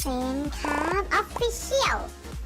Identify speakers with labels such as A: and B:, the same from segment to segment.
A: นครับออฟฟิเชียล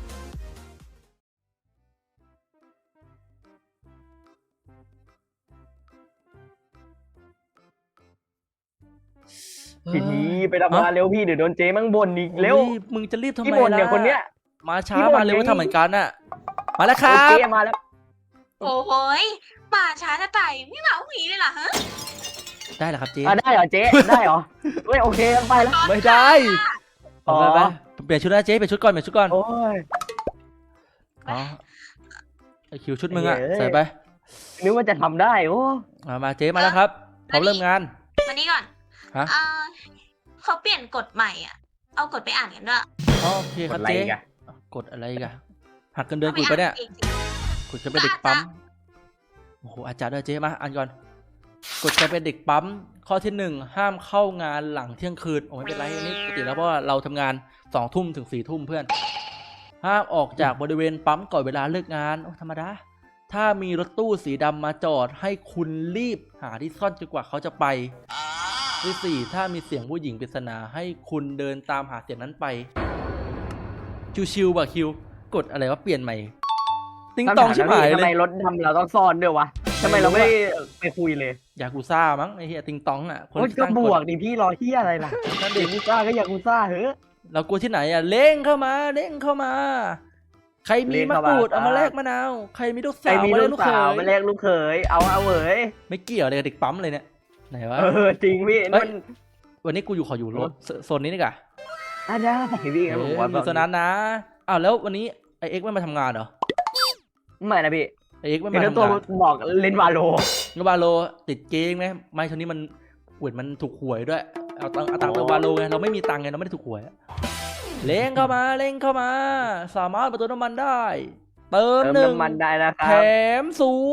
B: พี่ทีไปทำงานเร็วพี่เดี๋ยวโดนเจ๊มั่งบ่นอีกเร็ว
C: มึงจะรีบทำไม
B: พี่บ่นเนี่ย
C: ล่ะ
B: คนเนี้ย
C: มาช้า
B: พี่บ่น
C: มาเร็ว
B: ไง
C: ก็ทำเหมือนกันน่ะมาแล้วครั
B: โอเค
C: บ
B: มาแล้ว
D: โอ้โหยป่าช้าจะตายไม่มาหวีเลยเหรอฮะ
C: ได้เหรอครับเจ๊
B: ได้เหรอเจ๊ได้เหรอเฮ้ยโอเคไปแล้ว
C: ไม่ได้
B: อ๋อ
C: ไปเปลี่ยนชุดนะเจ๊เปลี่ยนชุดก่อนเปลี่ยนชุดก่อน
B: โอ้ย
C: อ๋อไอคิวชุดมึงอะ
B: เย้
C: ใส่ไป
B: นึกว่าจะทำได้โอ้
C: มาเจ๊มาแล้วครับพร้อมเริ่มงาน
D: มานี่ก่อน
C: ฮะ
D: เขาเปลี่ยนกฎใหม่อ่ะ เอากฎไปอ่านกันด้วย
C: อ๋อโอเคครับเจ๊กดอะไรกันหักเงินเดือนกูปะเนี่ยกดจะเป็นเด็กปั๊มโอ้โหอาจารย์ด้วยเจ๊มาอ่านก่อนกดจะเป็นเด็กปั๊มข้อที่ 1ห้ามเข้างานหลังเที่ยงคืนโอ้ไม่เป็นไรอันนี้ปกติแล้วเพราะว่าเราทำงาน2 ทุ่มถึง4 ทุ่มเพื่อนห้ามออกจากบริเวณปั๊มก่อนเวลาเลิกงานโอ้ธรรมดาถ้ามีรถตู้สีดำมาจอดให้คุณรีบหาที่ซ่อนจนกว่าเขาจะไปที่ 4ถ้ามีเสียงผู้หญิงปริศนาให้คุณเดินตามหาเสียงนั้นไปชิวๆว่ะคิวกดอะไรวะเปลี่ยนใหม่ติ๊งตองชิบหาย
B: ทำ
C: เล
B: ไม
C: ย
B: รถดำเราต้องซ่อนด้วยวะทำไมเราไม่ไปคุยเลย
C: ยากูซ่ามั้งไอ้เหี้ยติ๊งตองอ่ะคน
B: โอ้ย
C: ที่
B: ก็
C: ตั้ง
B: บ
C: ก
B: ว
C: ฎ
B: กดิพี่รอเฮียอะไรล่ะ
C: นั่น
B: เด็
C: ดิ
B: กกูซ่าก็อยากกูซ่าเหอะ
C: เรากลัวที่ไหนอ่ะเล่งเข้ามาเล่งเข้ามา ใครมี
B: เร่ง
C: มะ
B: เข้าก มา
C: รูด
B: ครับ
C: เอามาแลกมะนาวใครมีลูก
B: ใคร
C: สาว
B: มี
C: มาแล
B: ลู
C: ก
B: ก
C: ลูกเข
B: สาวย มาแลกลูกเขยเอาเหย
C: ไม่เกี่ยวอะไรกับเด็กปั๊มเลยเนี่ยไหนวะ
B: จริงพี่
C: เฮ้
B: นั่
C: ย
B: น
C: วันนี้กูอยู่ขออยู่โซนนี้นี่กะ
B: ได้พี่ครับผม
C: อยู่โซนนั้นนะอ้าวแล้ววันนี้ไอเอ็กซ์ไม่มาทำงานเหรอ
B: ไม่นะพี่
C: ไอเอ็กซ์ไม่
B: เห็
C: มาน
B: แล้ว
C: ทำ
B: ตัว
C: งาน
B: บอกเล่นวาโล
C: งบาโลติดเกมไหมไม่ช่วงนี้มันหวยมันถูกหวยด้วยเอาตังค์เติมวาโลไงเราไม่มีตังค์ไงเราไม่ได้ถูกหวยเล่งเข้ามาเล่งเข้ามา สามารถประตูน้ำมันได้ เติม
B: เติม
C: หนึ่ง
B: น้ำมันได้นะค
C: แถ
B: รับ
C: ม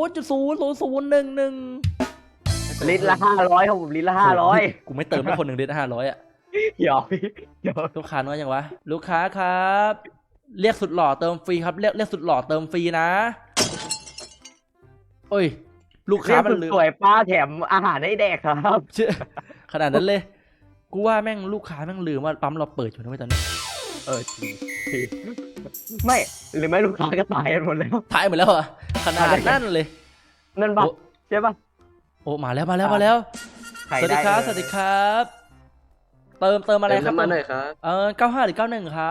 C: 0.000111
B: ลิตรละ500ครับผมลิตรละ500
C: กูไม่เติมให้คนหนึ่งเดือน500อ่ะ
B: หยอกพี่หยอก
C: ลูกค้าน้อยยังวะลูกค้าครับ เรียกสุดหล่อเติมฟรีครับเรียกสุดหล่อเติมฟรีนะโอ้ยลูกค้ามันลืม
B: สวยป้าแถมอาหารให้แดกครับ
C: เชื่อขนาดนั้นเลย กูว่าแม่งลูกค้าแม่งลืมว่าปั๊มเราเปิดอยู่นะเว้ยตอนนี้
B: จริงไม่หรือไม่ลูกค้าก็ตายกันหมดแล้ว
C: ถ่ายหมดแล้วเหรอ่ะขนาดนั่นเลย
B: นั่นปะ
C: โอ้
B: ใช่ปะ
C: โอ้มาแล้ว
B: ใคร
C: สวัสดีครับ
B: ไ
C: สวัสดีครับ เติมอะไรครับ
E: น้ำมันหน่อยครับ
C: 95หรือ91ครับ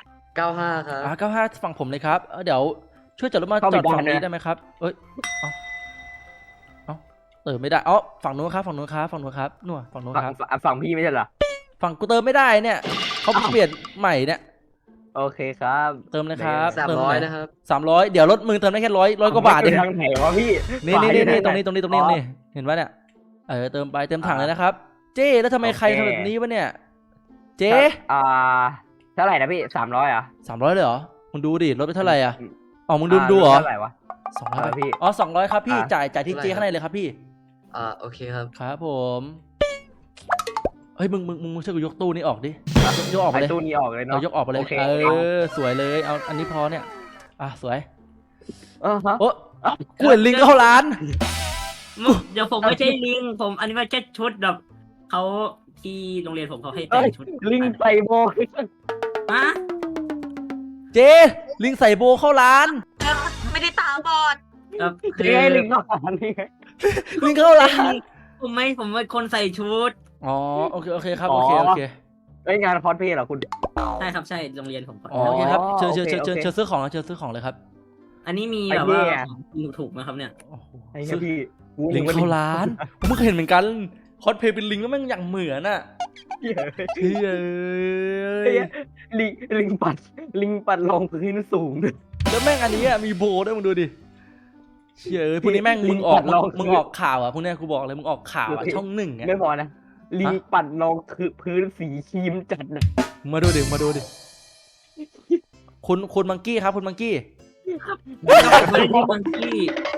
E: 95 ครับ
C: 95ฝั่งผมเลยครับเดี๋ยวช่วยจอดรถมาจอดฝั่งนี้ได้ไหมครับเอ้ยเอาเติมไม่ได้ฝั่งนู้นครับฝั่งนู้นครับฝั่งนู้นครับนู่นฝั่งนู้นครับ
B: ฝั่งพี่ไม่ใช่เหรอ
C: ฝั่งกูเติมไม่ได้เนี่ยเขาเปลี่ยนใหม่เนี่ย
B: โอเคครับ
C: เติมเลยครับ
E: 300 นะครับ
C: 300เดี๋ยวรถมึงเติมได้แค่100กว่าบาทเอง
B: ทางไหนวะพี่
C: นี่ตรงนี้เห็นปะเนี่ยเติมไปเติมถังเลยนะครับ เจ๊แล้วทำไมใครทำแบบนี้วะเนี่ยเจ๊
B: เท่าไหร่นะพี่300อ่ะ
C: 300เลยเหรอมึงดูดิลดไปเท่าไหร่อ่ะมึงดูเหรอ
B: เท่าไหร่วะ
C: 200
B: พี่
C: 200ครับพี่
B: อ่ะ
C: จ่ายที่เจ๊ข้างในเลยครับพี่
E: โอเคครับ
C: ครับผมเฮ้ยมึงช่วยกูยกตู้นี้ออกดิยกออกไป
B: ไอ้
C: เลย
B: ตู้นี้ออกเลยเนาะ
C: ยกออกไปเลย
B: โอเค
C: สวยเลยเอาอันนี้พอเนี่ยสวย
B: ฮะ
C: โอ้กูเห็นลิงเข้าร้าน
F: เดี๋ยวผมไม่ใช่ลิงผมอันนี้มันแค่ชุดแบบเขาที่โรงเรียนผมเขาให้แต่งชุด
B: ลิงไปโบ
F: ฮะ
C: เจ๊ลิงใส่โบเข้าร้าน
D: ไม่ได้ตาบอด
F: แบบคื
B: นี่
F: อ
B: ไงลิงนอกนี่ไง
C: ลิงเข้าร้าน
F: ผมเป็นคนใส่ชุด
C: โอเคครับโอเค
B: งานคอสเพลย์เหรอคุณ
F: ใช่ครับใช่โรงเรียนผม
C: โอเคครับเชิญ
B: โอเค
C: ซื้อของเชิญซื้อของเลยครับ
F: อันนี้มี
B: ไอ้
F: แบบ
B: เหี้
F: ว่าย ถูกไหมครับเนี่ย
B: ไอ้พี่
C: ลิงเข้าร้านผมเพิ่งเห็นเหมือนกันคอสเพลย์เป็นลิงแล้วแม่งอย่างเหมือนอ่ะเฮ้ย
B: ลิงปัดลงพื้นสูงด้วย
C: แล้วแม่งอันนี้มีโบด้วยมึงดูดิเชื่อพวกนี้แม่งมึงออกข่าวอ่ะพวกนี้กูบอกเลยมึงออกข่าวอ่ะช่อง1อ่ะ
B: ไม่พอนะลิงปัดลงคือพื้นสีครีมจัดนะ
C: มาดูดิคุณมังกี้ครับคุณมังกี้
F: ไม่ได้มังกี้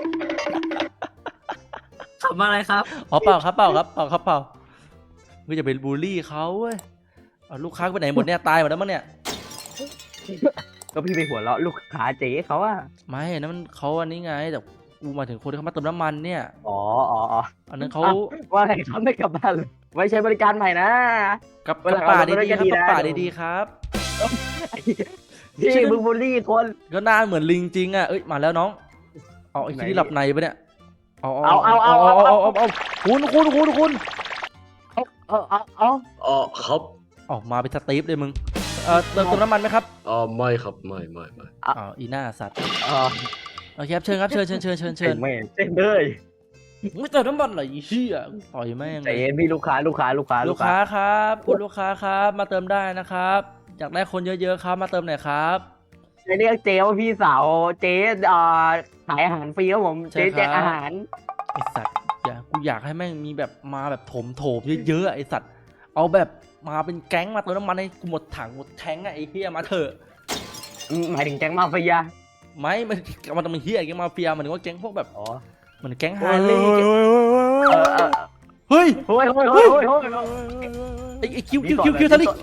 F: ขับมาอะไรครับ
C: เปล่าครับมึงจะไปบูลลี่เขาเว้ยลูกค้าไปไหนหมดเนี่ยตายหมดแล้วมั้งเนี่ย
B: ก็พี่ไปหัวเราะลูกค้าเจ๊เขาอะ
C: ไม่นั่นมันเขาอันนี้ไงแต่กูมาถึงคนที่เขามาเติมน้ำมันเนี่ย
B: อ๋อ
C: อันนั้นเขา
B: ว่าไงเขาไม่กลับบ้านเลยไว้ใช้บริการใหม่นะ
C: กับ
B: เวลา
C: ป่า
B: เรา
C: ดีๆครับ
B: ก็ดี
C: กับ
B: นะ
C: ป่าดีๆครับ
B: พี่มึงบูลลี่คน
C: ก็หน้าเหมือนลิงจริงอ่ะเอ้ยมาแล้วน้องเอาไอ้ที่หลับในปะเนี่ยเอาคุณ
E: อ๋อครับ
C: ออกมาเป็นสตีฟเลยมึงเติมน้ำมันไหมครับ
E: อ๋อไม่ครับไม่
C: อ๋ออีหน้าสัตว์โอเคครับเชิญครับเชิญ
B: ไม่เส้นเลย
C: ไม่เติมน้ำมันเหรออีเหี้ยต่อยแม่ง
B: ใจเย็นพี่ลูกค้า
C: ลูกค้าครับคุณลูกค้าครับมาเติมได้นะครับอยากได้คนเยอะๆครับมาเติมหน่อยครับ
B: จะเรียกเจ๊ว่าพี่สาวเจ๊ขายอาหารฟรีครับผมเจ๊แจกอาหาร
C: ไอสัตว์กูอยากให้แม่งมีแบบมาแบบโถมเยอะๆไอสัตว์เอาแบบมาเป็นแก๊งมาเติมน้ำมันให้กูหมดถังหมดแทงไอ้เหี้ยมาเถอะ
B: หมายถึงแก๊งมาเฟีย
C: ไม่มันต้องมีเหี้ยแก๊งมาเฟียมันถึงว่าแก๊งพวกแบบ
B: อ๋อ
C: เหมือนแก๊งฮาร์เลย์เฮ้ย
B: โอ้ย
C: ไอ้คิวทะลิ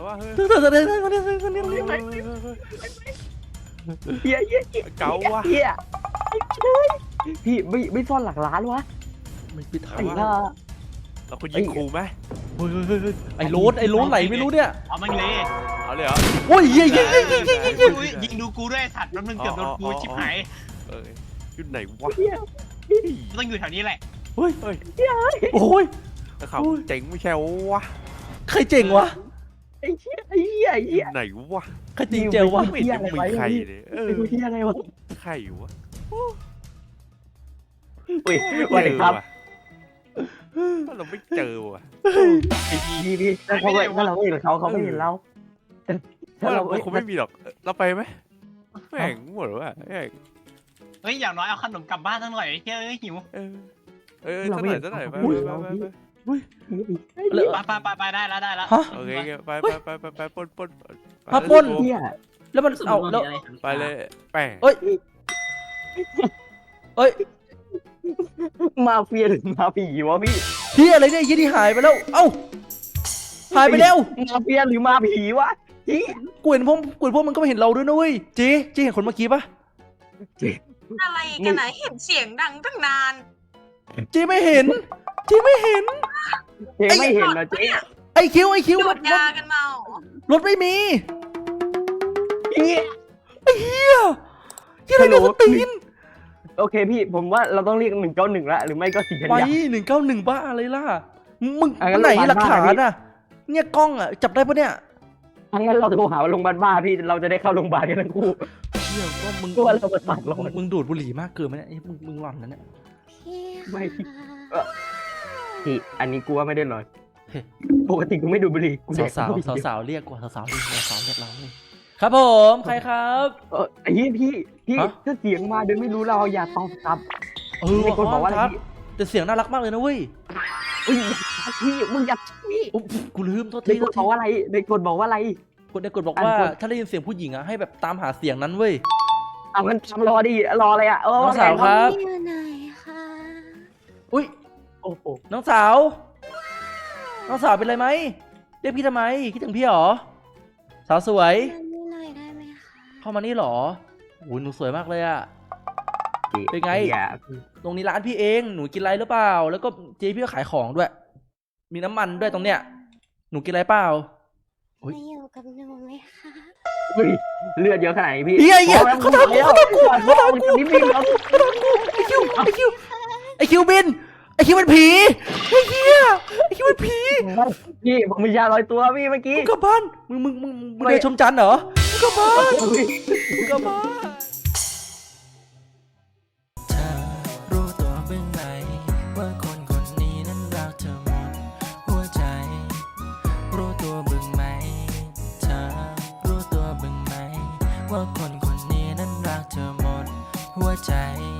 B: เฮีย
G: เก๋าวะ
B: เฮียพี่ไม่ซ่อนหลักล้านวะ
C: ไม่ไปถ่า
B: ไอ้
C: ย
B: ห่า
G: เราก็ยิงครูไหม
C: ไอ้โรสไหลไม่รู้เนี่ย
F: เอามันเลย
G: เอาเลยเหรอ
C: โอ้ยยิง
F: ยิงดูกูด้วยสัตว์แล้วมึงเกือบโดนกูชิบหาย
G: เอออยู่ไหนวะ
F: ต้องอยู่แถวนี้แหละ
C: เฮ้ย
G: เฮ้ย
C: โอ้ย
G: แล้วเขาเจ๋งไม่ใช่วะ
C: ใครเจ๋งวะ
B: ไอ้เหี้ย
G: อยู่ไหนวะ
C: ใครจริงเจ๋งวะ
G: ไม่เห็นจะมีใครเลยเออ
B: ไอ้เหี้ยอะไรวะ
G: ใครวะ
B: อุ้ยสวัสดีครับ
G: เราไม่เจอวะ
B: พี่ถ้าเราไม่เห็นเขาไม่เห็นเรา
G: ว่าเราคงไม่มีหรอกเราไปไหมแม่งหมดวะแม่ง
F: เฮ้ยอย่างน้อยเอาขนมกลับบ้านสักหน่อยเฮ้ยหิว
G: เออสักหน่อยไป
F: ไปได้แล้ว
C: ฮะ
G: โอเคไปปน
C: ฮะปล้น
B: เหี้ย
C: แล้วมันเอาแล้ว
G: ไปเลยแป้ง
C: เอ้ย
B: มาเฟียหรือมาผีวะพี่
C: เฮียอะไรเนี่ยยี่ที่หายไปแล้วเอ้าหายไปแล้ว
B: มาเฟียหรือมาผีวะพี่
C: กูเห็นพวกมันก็ไม่เห็นเราด้วยนะเว้ยเจ๊เห็นคนเมื่อกี้ปะ
D: อะไรกันนะเห็นเสียงดังตั้งนาน
C: เจ๊ไม่เห็น
B: เจ๊ไม่เห็นนะเจ๊
C: ไอคิว
D: ดู
C: ร
D: ด
C: ถ
D: ยากันเมาร
C: ถไม่มี
B: พี่
C: เฮียอะไรเนี่ยสตีน
B: โอเคพี่ผมว่าเราต้องเรียก191ละหรือไม่ก็4
C: ไป
B: กันยา
C: 191บ้าอะไรล่ะมึง
B: งั้น
C: ไหน
B: โรงพยาบาล
C: หลักฐาน
B: บ้า
C: อ่ะเนี่ยกล้องอ่ะจับได้ปะเนี่ย
B: งั้นเราโทรหาโรงพยาบาลบ้าพี่เราจะได้เข้าโรงพยาบาลกันทั้งคู่
C: เฮียว่ามึง
B: กลัวเราเปิดปากร้อน
C: มึงดูดบุหรี่มากเกินไหมเนี่ยมึงหลอนนะเนี่ย
A: พี่
B: ไม่
A: ค่ะ
B: พี่อันนี้กูว่าไม่ได้หน่อยปกติกูไม่ดูบุหรี่กูแดก
C: สาวเรียกกว่าสาวเรียกเราเลยครับผมใครครับ
B: ไอ้พี่
C: ฮะ
B: ถ้าเสียงมาโดยไม่รู้เราอย่าตอบกลับ
C: มี
B: คนบอกว่าอะไร
C: ครับ
B: พี่
C: แต่เสียงน่ารักมากเลยนะเว้ย
B: พี่มึงอย่าพี่
C: อุ๊ยกูลืมโทษ
B: ใน
C: ที
B: กฎบอกว่าอะไรในกฎบอกว่าอะไร
C: กดในกดบอกว่า
B: อ่านกฎ
C: ถ้าได้ยินเสียงผู้หญิงอ่ะให้แบบตามหาเสียงนั้นเว้ย
B: เอางั้นทำรอดิรออะไรอ่ะ
C: น้องสาวครับ
A: พี่อยู่ไหนคะ
C: อุ้ย
B: โอ้โห
C: น้องสาวเป็นไรไหมเรียกพี่ทำไมคิดถึงพี่หรอสาวสวย
A: มานี่หน่อยได้ไหมคะ
C: เข้ามานี่หรอโอ้ยหนูสวยมากเลยอะ เป็นไง
B: อย่า
C: ตรงนี้ร้านพี่เองหนูกินอะไรหรือเปล่า แล้วก็เจ๊พี่ก็ขายของด้วย มีน้ำมันด้วยตรงเนี้ยหนูกินอะไรเปล่า อุ๊ย
A: มาอยู่กับหนูไหมคะ
B: เฮ้ยเลือดเยอะขนาดนี้พี่
C: เฮียเขาทำกู
B: นี่พี่เรา
C: ไอคิวบินไอคิวเป็นผีไอเฮียไอคิวเป็นผี
B: พี่ผมมียาลอยตัวพี่เมื่อกี้
C: มึงกลับบ้านมึงเดินชมจันทร์เหรอมึงกลับบ้าน
E: เธอรู้ตัวบ้างไหมว่าคนคนนี้นั้นรักเธอหมดหัวใจรู้ตัวบ้างไหมเธอรู้ตัวบ้างไหมว่าคนคนนี้นั้นรักเธอหมดหัวใจ